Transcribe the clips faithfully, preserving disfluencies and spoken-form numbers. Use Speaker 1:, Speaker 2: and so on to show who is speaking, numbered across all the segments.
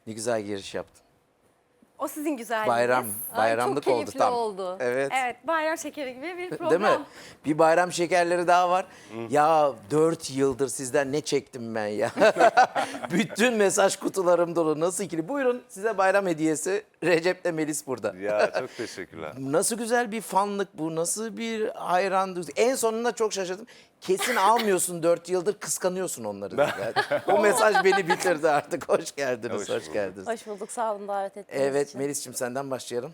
Speaker 1: Ne güzel giriş yaptın.
Speaker 2: O sizin güzelliğiniz.
Speaker 1: Bayram,
Speaker 3: Ay,
Speaker 1: bayramlık
Speaker 3: çok
Speaker 1: oldu
Speaker 3: keyifli
Speaker 1: tam.
Speaker 3: oldu.
Speaker 1: Evet.
Speaker 2: Evet, bayram şekeri gibi bir program.
Speaker 1: Değil mi? Bir bayram şekerleri daha var. Ya dört yıldır sizden ne çektim ben ya. Bütün mesaj kutularım dolu. Nasıl ikili? Buyurun size bayram hediyesi. Recep'le Melis burada.
Speaker 4: Ya çok teşekkürler.
Speaker 1: Nasıl güzel bir fanlık bu. Nasıl bir hayran duygusu. En sonunda çok şaşırdım. Kesin almıyorsun dört yıldır, kıskanıyorsun onları. Yani o mesaj beni bitirdi artık. Hoş geldiniz,
Speaker 4: Hoş
Speaker 1: hoş,
Speaker 4: bulduk.
Speaker 1: geldiniz.
Speaker 3: Hoş bulduk, sağ olun davet ettiğiniz
Speaker 1: Evet
Speaker 3: için.
Speaker 1: Melis'ciğim senden başlayalım.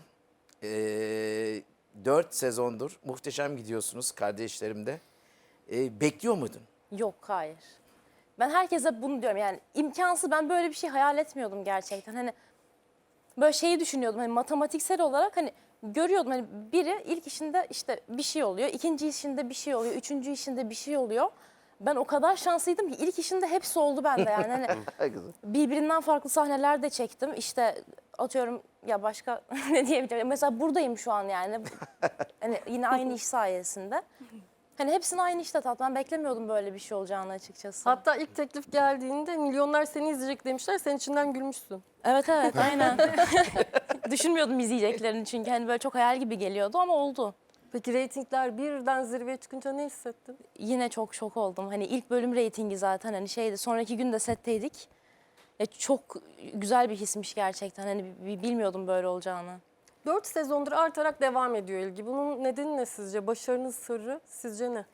Speaker 1: Ee, dört sezondur muhteşem gidiyorsunuz kardeşlerimde. Ee, bekliyor muydun?
Speaker 3: Yok, hayır. Ben herkese bunu diyorum, yani imkansız, ben böyle bir şey hayal etmiyordum gerçekten. Hani böyle şeyi düşünüyordum, hani matematiksel olarak hani görüyordum, hani biri ilk işinde işte bir şey oluyor, ikinci işinde bir şey oluyor, üçüncü işinde bir şey oluyor. Ben o kadar şanslıydım ki ilk işinde hepsi oldu bende yani. Hani
Speaker 1: Güzel.
Speaker 3: birbirinden farklı sahneler de çektim. İşte atıyorum ya, başka ne diyebilirim? Mesela buradayım şu an yani. Hani yine aynı iş sayesinde. Hani hepsini aynı işte tat. Ben beklemiyordum böyle bir şey olacağını açıkçası.
Speaker 5: Hatta ilk teklif geldiğinde milyonlar seni izleyecek demişler. Sen içinden gülmüşsün.
Speaker 3: Evet evet aynen. Düşünmüyordum izleyeceklerini çünkü hani böyle çok hayal gibi geliyordu ama oldu.
Speaker 5: Peki reytingler birden zirveye çıkınca ne hissettin?
Speaker 3: Yine çok şok oldum. Hani ilk bölüm reytingi zaten hani şeydi. Sonraki gün de setteydik. Ya çok güzel bir hismiş gerçekten. Hani bi- bi- bilmiyordum böyle olacağını.
Speaker 5: Dört sezondur artarak devam ediyor ilgi. Bunun nedeni ne sizce? Başarının sırrı sizce ne?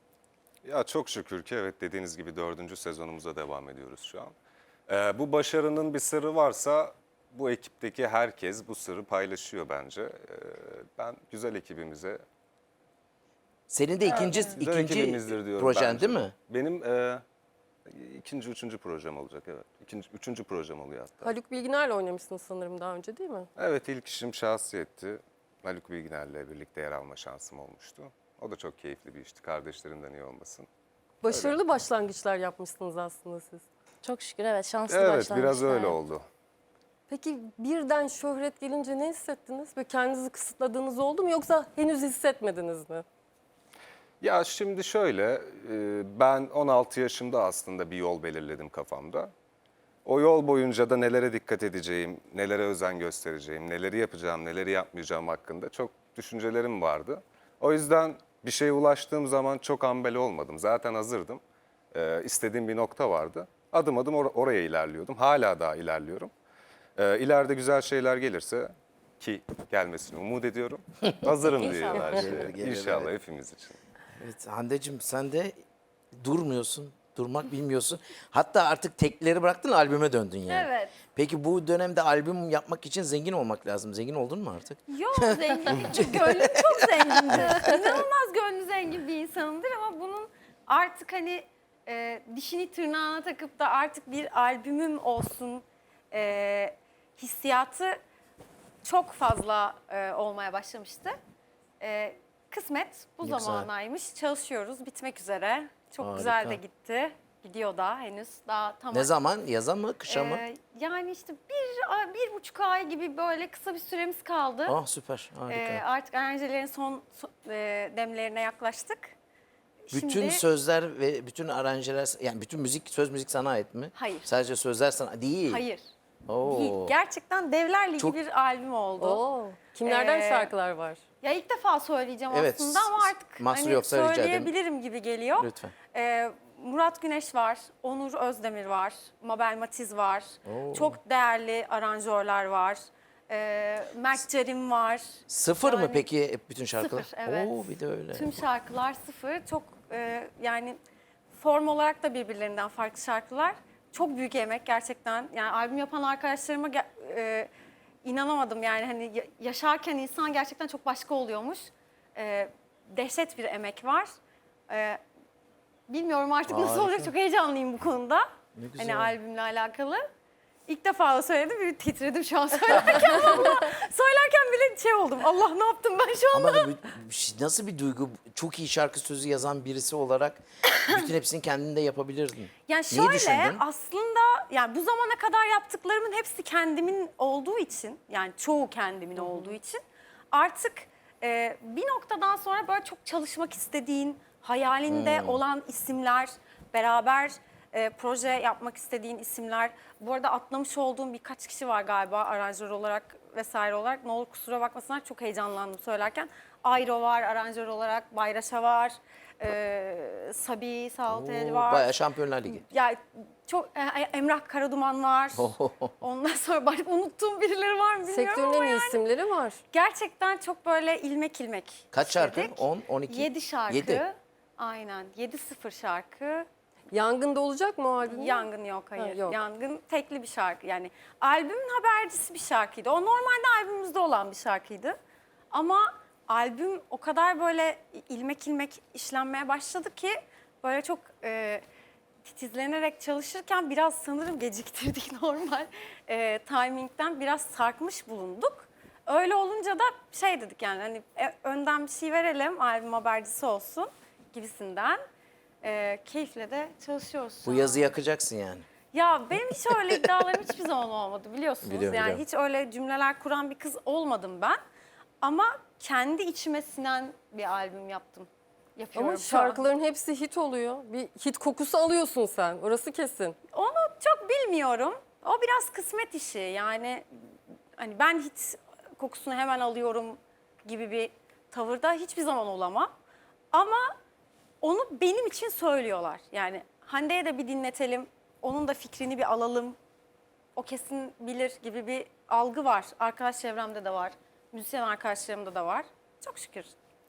Speaker 4: Ya çok şükür ki evet dediğiniz gibi dördüncü sezonumuza devam ediyoruz şu an. Ee, bu başarının bir sırrı varsa bu ekipteki herkes bu sırrı paylaşıyor bence. Ee, ben güzel ekibimize,
Speaker 1: Senin de ikinci,
Speaker 4: güzel
Speaker 1: ikinci
Speaker 4: ekibimizdir diyorum
Speaker 1: projen
Speaker 4: bence.
Speaker 1: değil mi?
Speaker 4: Benim e, ikinci, üçüncü projem olacak evet. İkinci, üçüncü projem oluyor hatta.
Speaker 5: Haluk Bilginer'le oynamışsınız sanırım daha önce, değil mi?
Speaker 4: Evet ilk işim şahsiyetti. Haluk Bilginer'le birlikte yer alma şansım olmuştu. O da çok keyifli bir işti. Kardeşlerimden iyi olmasın.
Speaker 5: Başarılı başlangıçlar yapmışsınız aslında siz.
Speaker 3: Çok şükür evet, şanslı
Speaker 4: Evet
Speaker 3: başlangıçlar.
Speaker 4: biraz öyle oldu.
Speaker 5: Peki birden şöhret gelince ne hissettiniz? Böyle kendinizi kısıtladığınız oldu mu yoksa henüz hissetmediniz mi?
Speaker 4: Ya şimdi şöyle, e, ben on altı yaşımda aslında bir yol belirledim kafamda. O yol boyunca da nelere dikkat edeceğim, nelere özen göstereceğim, neleri yapacağım, neleri yapmayacağım hakkında çok düşüncelerim vardı. O yüzden bir şeye ulaştığım zaman çok ambele olmadım. Zaten hazırdım. E, istediğim bir nokta vardı. Adım adım or- oraya ilerliyordum. Hala daha ilerliyorum. E, ileride güzel şeyler gelirse ki gelmesini umut ediyorum. Hazırım diye
Speaker 3: İnşallah.
Speaker 4: her şeye.
Speaker 1: Gelir, gelir,
Speaker 4: İnşallah
Speaker 1: evet.
Speaker 4: hepimiz için.
Speaker 1: Evet Hande'cim sen de durmuyorsun. Durmak bilmiyorsun. Hatta artık tekleri bıraktın, albüme döndün yani.
Speaker 2: Evet.
Speaker 1: Peki bu dönemde albüm yapmak için zengin olmak lazım. Zengin oldun mu artık?
Speaker 2: Yok zengin. Gönlüm çok zengindir. İnanılmaz gönlü zengin bir insanımdır ama bunun artık hani e, dişini tırnağına takıp da artık bir albümüm olsun e, hissiyatı çok fazla e, olmaya başlamıştı. E, kısmet bu
Speaker 1: Ne güzel.
Speaker 2: zamanaymış. Çalışıyoruz, bitmek üzere. Çok
Speaker 1: Harika.
Speaker 2: güzel de gitti. Gidiyor da henüz. Daha tam
Speaker 1: Ne zaman? Yaza mı? Kışa mı?
Speaker 2: Ee, yani işte bir, ay- bir buçuk ay gibi böyle kısa bir süremiz kaldı.
Speaker 1: Ah süper. Harika.
Speaker 2: Ee, artık aranjelerin son, son- e, demlerine yaklaştık.
Speaker 1: bütün
Speaker 2: Şimdi-
Speaker 1: sözler ve bütün aranjeler, yani bütün müzik, söz müzik sana ait mi?
Speaker 2: Hayır.
Speaker 1: Sadece sözler sana değil.
Speaker 2: Hayır.
Speaker 1: Oo.
Speaker 2: Değil. Gerçekten Devler Ligi
Speaker 1: Çok-
Speaker 2: bir albüm oldu.
Speaker 5: Oo. Kimlerden
Speaker 2: Ee,
Speaker 5: şarkılar var?
Speaker 2: Ya ilk defa söyleyeceğim
Speaker 1: Evet,
Speaker 2: aslında ama
Speaker 1: s-
Speaker 2: artık
Speaker 1: mahsur
Speaker 2: hani
Speaker 1: yoksa rica ederim.
Speaker 2: söyleyebilirim gibi geliyor.
Speaker 1: Lütfen.
Speaker 2: Ee, Murat Güneş var, Onur Özdemir var, Mabel Matiz var.
Speaker 1: Oo.
Speaker 2: Çok değerli aranjörler var. Ee, Mert Cerim var.
Speaker 1: Sıfır mı
Speaker 2: Yani-
Speaker 1: peki hep bütün şarkılar?
Speaker 2: Sıfır, evet.
Speaker 1: Oo bir de öyle.
Speaker 2: Tüm şarkılar sıfır. Çok e, yani form olarak da birbirlerinden farklı şarkılar. Çok büyük emek gerçekten. Yani albüm yapan arkadaşlarıma ge- e, inanamadım. Yani hani ya- yaşarken insan gerçekten çok başka oluyormuş. E, dehşet bir emek var. E, bilmiyorum artık nasıl
Speaker 1: Harika.
Speaker 2: olacak. Çok heyecanlıyım bu konuda.
Speaker 1: Ne güzel.
Speaker 2: Hani albümle alakalı. İlk defa da söyledim. Bir titredim şu an söylerken. Vallahi söylerken bile şey oldum. Allah ne yaptım ben şu an?
Speaker 1: Ama bu- bu- nasıl bir duygu? Çok iyi şarkı sözü yazan birisi olarak bütün hepsini kendinde yapabilirdin.
Speaker 2: Yani
Speaker 1: Neyi
Speaker 2: şöyle
Speaker 1: düşündün?
Speaker 2: aslında yani bu zamana kadar yaptıklarımın hepsi kendimin olduğu için, yani çoğu kendimin olduğu için artık e, bir noktadan sonra böyle çok çalışmak istediğin, hayalinde olan isimler, beraber e, proje yapmak istediğin isimler. Bu arada atlamış olduğum birkaç kişi var galiba aranjör olarak vesaire olarak. Ne olur kusura bakmasınlar, çok heyecanlandım söylerken. Ayro var aranjör olarak, Bayraş'a var, e, Sabi Saltel
Speaker 1: Oo,
Speaker 2: var.
Speaker 1: Bayağı Şampiyonlar Ligi.
Speaker 2: Ya çok e, Emrah Karaduman var. Ondan sonra bak, unuttuğum birileri var mı bilmiyorum
Speaker 5: Sektörün
Speaker 2: ama
Speaker 5: en iyi
Speaker 2: yani
Speaker 5: isimleri var.
Speaker 2: gerçekten çok böyle ilmek ilmek.
Speaker 1: Kaç şarkı?
Speaker 2: işledik.
Speaker 1: on, on iki?
Speaker 2: yedi şarkı.
Speaker 1: Yedi.
Speaker 2: Aynen. yedi sıfır şarkı.
Speaker 5: Yangında olacak mı o albüm?
Speaker 2: Yangın yok, hayır.
Speaker 5: Ha, yok.
Speaker 2: Yangın tekli bir şarkı. Yani albümün habercisi bir şarkıydı. O normalde albümümüzde olan bir şarkıydı. Ama albüm o kadar böyle ilmek ilmek işlenmeye başladı ki böyle çok e, titizlenerek çalışırken biraz sanırım geciktirdik normal e, timingden biraz sarkmış bulunduk. Öyle olunca da şey dedik yani hani e, önden bir şey verelim, albüm habercisi olsun gibisinden. E, keyifle de çalışıyoruz şu
Speaker 1: Bu
Speaker 2: an.
Speaker 1: yazı yakacaksın yani.
Speaker 2: Ya benim hiç öyle iddialarım hiçbir zaman olmadı biliyorsunuz.
Speaker 1: Biliyorum,
Speaker 2: yani
Speaker 1: biliyorum.
Speaker 2: hiç öyle cümleler kuran bir kız olmadım ben. Ama kendi içime sinen bir albüm yaptım. Yapıyorum
Speaker 5: Ama
Speaker 2: şu an.
Speaker 5: şarkıların hepsi hit oluyor. Bir hit kokusu alıyorsun sen. Orası kesin.
Speaker 2: Onu çok bilmiyorum. O biraz kısmet işi. Yani hani ben hiç kokusunu hemen alıyorum gibi bir tavırda hiçbir zaman olamam. Ama onu benim için söylüyorlar. Yani Hande'ye de bir dinletelim, onun da fikrini bir alalım. O kesin bilir gibi bir algı var. Arkadaş çevremde de var. Müzisyen arkadaşlarımda da var. Çok şükür.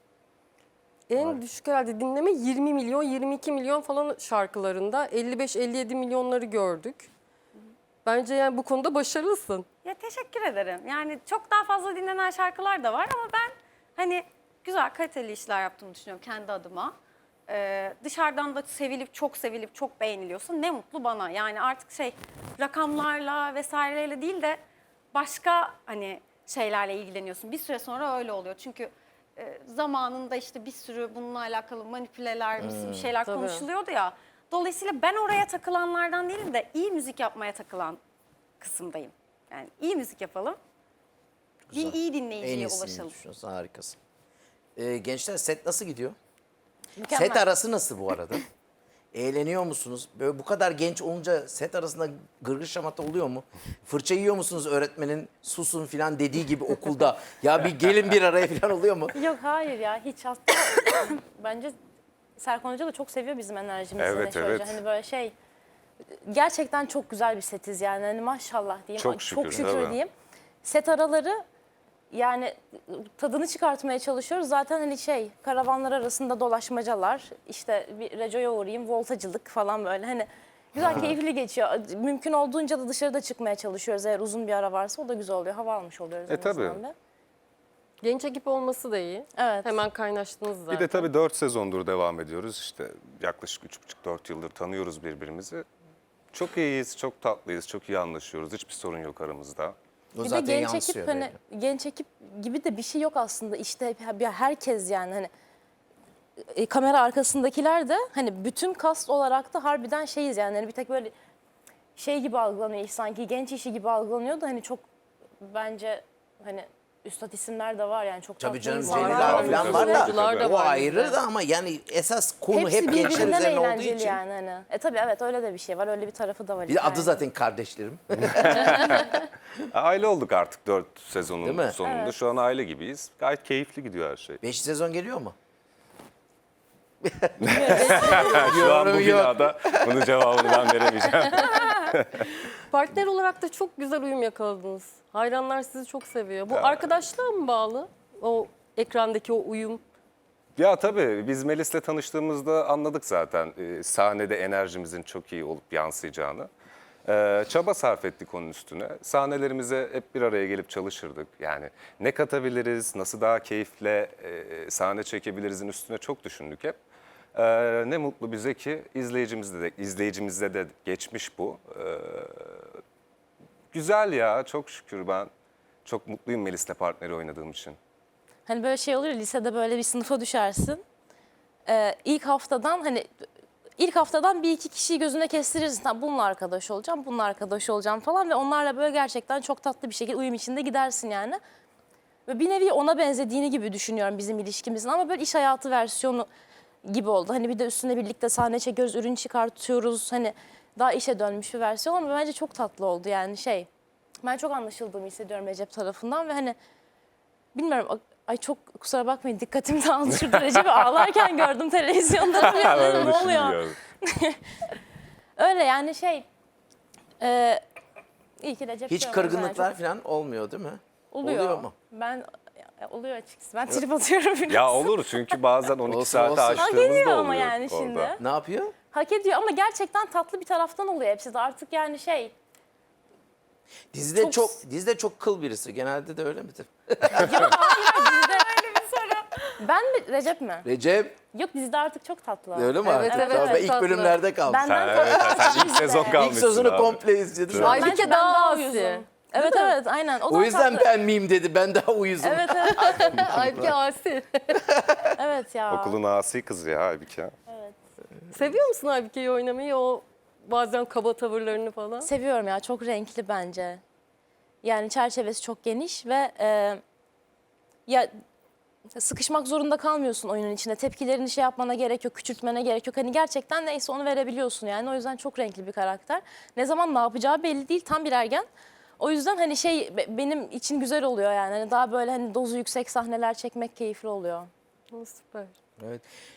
Speaker 5: En düşük herhalde dinleme yirmi milyon, yirmi iki milyon falan şarkılarında. elli beş elli yedi milyonları gördük. Bence yani bu konuda başarılısın.
Speaker 2: Ya teşekkür ederim. Yani çok daha fazla dinlenen şarkılar da var ama ben hani güzel kaliteli işler yaptığımı düşünüyorum kendi adıma. Ee, dışarıdan da sevilip çok sevilip çok beğeniliyorsa ne mutlu bana. Yani artık şey rakamlarla vesaireyle değil de başka hani şeylerle ilgileniyorsun. Bir süre sonra öyle oluyor. Çünkü e, zamanında işte bir sürü bununla alakalı manipüleler, bir şeyler
Speaker 5: tabii.
Speaker 2: konuşuluyordu ya. Dolayısıyla ben oraya takılanlardan değilim de iyi müzik yapmaya takılan kısımdayım. Yani iyi müzik yapalım. Bir iyi
Speaker 1: En
Speaker 2: dinleyiciye
Speaker 1: iyisini
Speaker 2: ulaşalım.
Speaker 1: düşünüyorsun. Harikasın. Ee, gençler set nasıl gidiyor?
Speaker 3: Mükemmel.
Speaker 1: Set arası nasıl bu arada? Eğleniyor musunuz? Böyle bu kadar genç olunca set arasında gırgır şamata oluyor mu? Fırça yiyor musunuz öğretmenin susun filan dediği gibi okulda? Ya bir gelin bir araya filan oluyor mu?
Speaker 3: Yok hayır ya hiç aslında bence Serkan Hoca da çok seviyor bizim enerjimizi.
Speaker 4: Evet,
Speaker 3: Neşe
Speaker 4: evet.
Speaker 3: Hoca. Hani böyle şey gerçekten çok güzel bir setiz yani hani maşallah diyeyim.
Speaker 4: Çok
Speaker 3: Ay,
Speaker 4: şükür,
Speaker 3: çok şükür
Speaker 4: tabii.
Speaker 3: diyeyim. Set araları yani tadını çıkartmaya çalışıyoruz. Zaten hani şey karavanlar arasında dolaşmacalar işte bir Reco'ya uğrayayım voltacılık falan böyle hani güzel keyifli geçiyor. Mümkün olduğunca da dışarıda çıkmaya çalışıyoruz eğer uzun bir ara varsa o da güzel oluyor. Hava almış oluyoruz.
Speaker 4: E,
Speaker 3: en azından
Speaker 4: tabii.
Speaker 3: da.
Speaker 5: Genç ekip olması da iyi.
Speaker 3: Evet.
Speaker 5: Hemen kaynaştınız zaten.
Speaker 4: Bir de tabii dört sezondur devam ediyoruz. İşte yaklaşık üç buçuk dört yıldır tanıyoruz birbirimizi. Çok iyiyiz, çok tatlıyız, çok iyi anlaşıyoruz. Hiçbir sorun yok aramızda.
Speaker 1: O
Speaker 3: Bir de
Speaker 1: zaten
Speaker 3: genç
Speaker 1: yansıyor
Speaker 3: ekip hani
Speaker 1: belli.
Speaker 3: genç ekip gibi de bir şey yok aslında işte hep- ya herkes yani hani e, kamera arkasındakiler de hani bütün kast olarak da harbiden şeyiz yani hani bir tek böyle şey gibi algılanıyor sanki genç işi gibi algılanıyor da hani çok bence hani üstad isimler de var yani çok
Speaker 1: Tabii
Speaker 3: tatlı
Speaker 1: canım
Speaker 3: insanlar
Speaker 1: Celil
Speaker 3: var.
Speaker 1: abi falan var da,
Speaker 5: Oyuncular da
Speaker 1: o
Speaker 5: var
Speaker 1: ayrı
Speaker 5: bizde.
Speaker 1: da ama yani esas konu
Speaker 3: Hepsi
Speaker 1: hep gençler
Speaker 3: birbirinden
Speaker 1: üzerine olduğu
Speaker 3: eğlenceli
Speaker 1: için.
Speaker 3: yani hani. E tabii evet öyle de bir şey var öyle bir tarafı da var.
Speaker 1: Bir de adı
Speaker 3: hikayenin.
Speaker 1: zaten kardeşlerim.
Speaker 4: Aile olduk artık dört
Speaker 1: Değil
Speaker 4: sezonun
Speaker 1: mi?
Speaker 4: sonunda. Şu an aile gibiyiz. Gayet keyifli gidiyor her şey.
Speaker 1: Beş sezon geliyor mu?
Speaker 4: Şu an bu
Speaker 1: Yorum yok.
Speaker 4: binada bunun cevabını ben veremeyeceğim.
Speaker 5: Partner olarak da çok güzel uyum yakaladınız. Hayranlar sizi çok seviyor. Bu arkadaşlığa mı bağlı? O ekrandaki o uyum.
Speaker 4: Ya tabii biz Melis'le tanıştığımızda anladık zaten e, sahnede enerjimizin çok iyi olup yansıyacağını. E, çaba sarf ettik onun üstüne. Sahnelerimize hep bir araya gelip çalışırdık. Yani ne katabiliriz, nasıl daha keyifle e, sahne çekebilirizin üstüne çok düşündük hep. E, ne mutlu bize ki izleyicimizde de, izleyicimizde de geçmiş bu. E, güzel ya, çok şükür ben çok mutluyum Melis'le partneri oynadığım için.
Speaker 3: Hani böyle şey olur ya lisede böyle bir sınıfa düşersin. Ee, ilk haftadan hani ilk haftadan bir iki kişiyi gözüne kestirirsin. Tamam, bununla arkadaş olacağım, bununla arkadaş olacağım falan ve onlarla böyle gerçekten çok tatlı bir şekilde uyum içinde gidersin yani. Ve bir nevi ona benzediğini gibi düşünüyorum bizim ilişkimizin ama böyle iş hayatı versiyonu gibi oldu. Hani bir de üstüne birlikte sahne çekiyoruz, ürün çıkartıyoruz. Hani daha işe dönmüş bir versiyon ama bence çok tatlı oldu yani şey. Ben çok anlaşıldığımı hissediyorum Recep tarafından ve hani bilmiyorum ay çok kusura bakmayın dikkatim dağıldı. Şurada Recep'i ağlarken gördüm televizyonda.
Speaker 4: Ben
Speaker 3: Dedim,
Speaker 4: öyle
Speaker 3: ne oluyor?
Speaker 4: düşünmüyorum.
Speaker 3: Öyle yani şey e, iyi ki Recep
Speaker 1: Hiç
Speaker 3: diyorum yani,
Speaker 1: kırgınlıklar
Speaker 3: çok
Speaker 1: falan olmuyor değil mi?
Speaker 3: oluyor.
Speaker 1: Oluyor mu?
Speaker 3: Ben ya, oluyor açıkçası. Ben trip atıyorum biraz.
Speaker 4: Ya olur çünkü bazen on iki
Speaker 1: Olsun,
Speaker 4: saate
Speaker 1: olsun.
Speaker 4: açtığımız
Speaker 3: Hak
Speaker 4: da
Speaker 3: ediyor
Speaker 4: oluyor
Speaker 3: ama yani
Speaker 4: orada.
Speaker 3: şimdi.
Speaker 1: Ne yapıyor?
Speaker 3: Hak ediyor ama gerçekten tatlı bir taraftan oluyor hepsi de artık yani şey.
Speaker 1: Dizide çok,
Speaker 3: Çok-
Speaker 1: dizide çok kıl birisi. Genelde de öyle midir?
Speaker 3: Ben mi Recep mi?
Speaker 1: Recep
Speaker 3: Yok dizide artık çok tatlı.
Speaker 1: öyle mi?
Speaker 5: Evet,
Speaker 1: artık?
Speaker 5: evet,
Speaker 1: Tamam, ben
Speaker 5: evet,
Speaker 1: ilk
Speaker 5: tatlı.
Speaker 1: bölümlerde kaldım.
Speaker 3: Benden
Speaker 4: Sen,
Speaker 3: tatlı.
Speaker 4: evet, sen ilk sezon
Speaker 1: İlk
Speaker 4: kalmışsın
Speaker 1: sözünü
Speaker 4: abi.
Speaker 1: komple izledim.
Speaker 4: Evet.
Speaker 5: Aybike
Speaker 3: Bence ben
Speaker 5: daha
Speaker 3: daha
Speaker 5: asi.
Speaker 3: uyuzum. Evet evet aynen. O,
Speaker 1: O
Speaker 3: daha
Speaker 1: yüzden
Speaker 3: tatlı.
Speaker 1: ben miyim dedi. Ben daha uyuzum.
Speaker 3: Evet evet.
Speaker 5: Aybike asi.
Speaker 3: Evet ya.
Speaker 4: Okulun asi kızı ya Aybike.
Speaker 5: Seviyor musun Aybike'yi oynamayı? O bazen kaba tavırlarını falan.
Speaker 3: Seviyorum ya çok renkli bence. Yani çerçevesi çok geniş ve e, ya sıkışmak zorunda kalmıyorsun oyunun içinde. Tepkilerini şey yapmana gerek yok, küçültmene gerek yok. Hani gerçekten neyse onu verebiliyorsun yani. O yüzden çok renkli bir karakter. Ne zaman ne yapacağı belli değil. Tam bir ergen. O yüzden hani şey be- benim için güzel oluyor yani. Hani daha böyle hani dozu yüksek sahneler çekmek keyifli oluyor.
Speaker 5: Süper.
Speaker 1: Evet.